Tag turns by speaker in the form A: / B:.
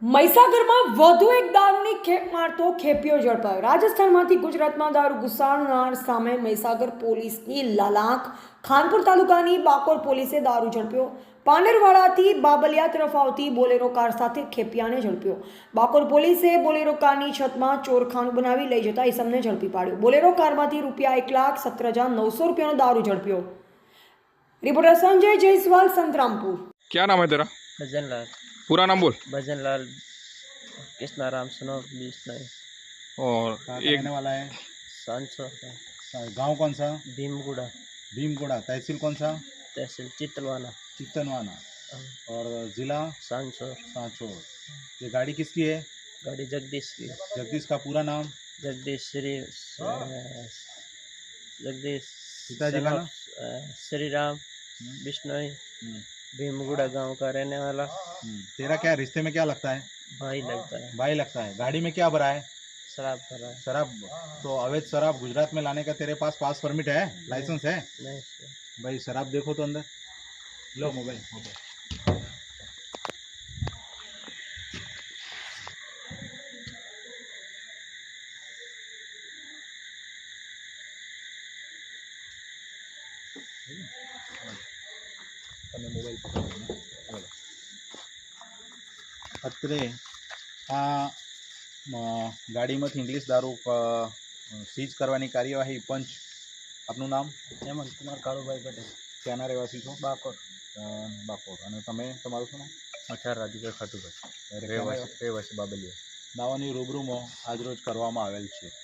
A: મહીસાગરમાં વધુ એક દારૂની ખેપ મારતો ખેપિયો ઝડપાયો। રાજસ્થાનમાંથી ગુજરાતમાં દારૂ ઘુસાડનાર સામે મહીસાગર પોલીસની લાલાંક। ખાનપુર તાલુકાની બાકોર પોલીસે દારૂ ઝડપ્યો। પાંડરવાડાથી બાબલિયા તરફ આવતી બોલેરો કાર સાથે ખેપિયાને ઝડપ્યો। બાકોર પોલીસે બોલેરો કારની છતમાં ચોરખાનું બનાવી લઈ જતા ઈસમને ઝડપી પાડ્યો। બોલેરો કારમાંથી રૂપિયા 1,17,900 રૂપિયાનો દારૂ ઝડપ્યો। रिपोर्टर संजय जायसवाल, संतरामपुर।
B: क्या नाम है तेरा?
C: भजनलाल।
B: पूरा नाम बोल।
C: भजनलाल कृष्णाराम सुनो बीस नहीं।
B: और एक
D: रहने वाला है?
C: सांसो
D: गांव कौन सा?
C: भीमगुड़ा।
D: भीमगुड़ा। तहसील कौन सा?
C: तहसील चितलवाना।
D: चित्तनवाना। और जिला?
C: सांसोर।
D: सांचौर। ये गाड़ी किसकी है?
C: गाड़ी जगदीश की।
D: जगदीश का पूरा नाम?
C: जगदीश जगदीश
D: पिताजी का नाम?
C: श्री राम बिश्नोई। भीमगुड़ा गांव का रहने वाला।
D: तेरा क्या रिश्ते में क्या लगता है?
C: भाई लगता है।
D: भाई लगता है। गाड़ी में क्या भरा है?
C: शराब भरा है।
D: शराब। तो अवैध शराब गुजरात में लाने का तेरे पास पास परमिट है? लाइसेंस है?
C: नहीं
D: भाई शराब देखो तो अंदर। लो मोबाइल। मोबाइल અત્રે આ ગાડીમાંથી ઇંગ્લિશ દારૂ સીઝ કરવાની કાર્યવાહી પંચ। આપનું નામ?
C: हेमंत कुमार कालूभाई पटेल।
D: ક્યાંના રહેવાસી છો?
C: बाकोर।
D: બાકોર। અને તમે તમારું શું નામ?
C: अठार राजूभाई खाटूभाई।
D: રહેવાસી બાબલિયા। દાવાની રૂબરૂમાં આજરોજ કરવામાં આવેલ છે।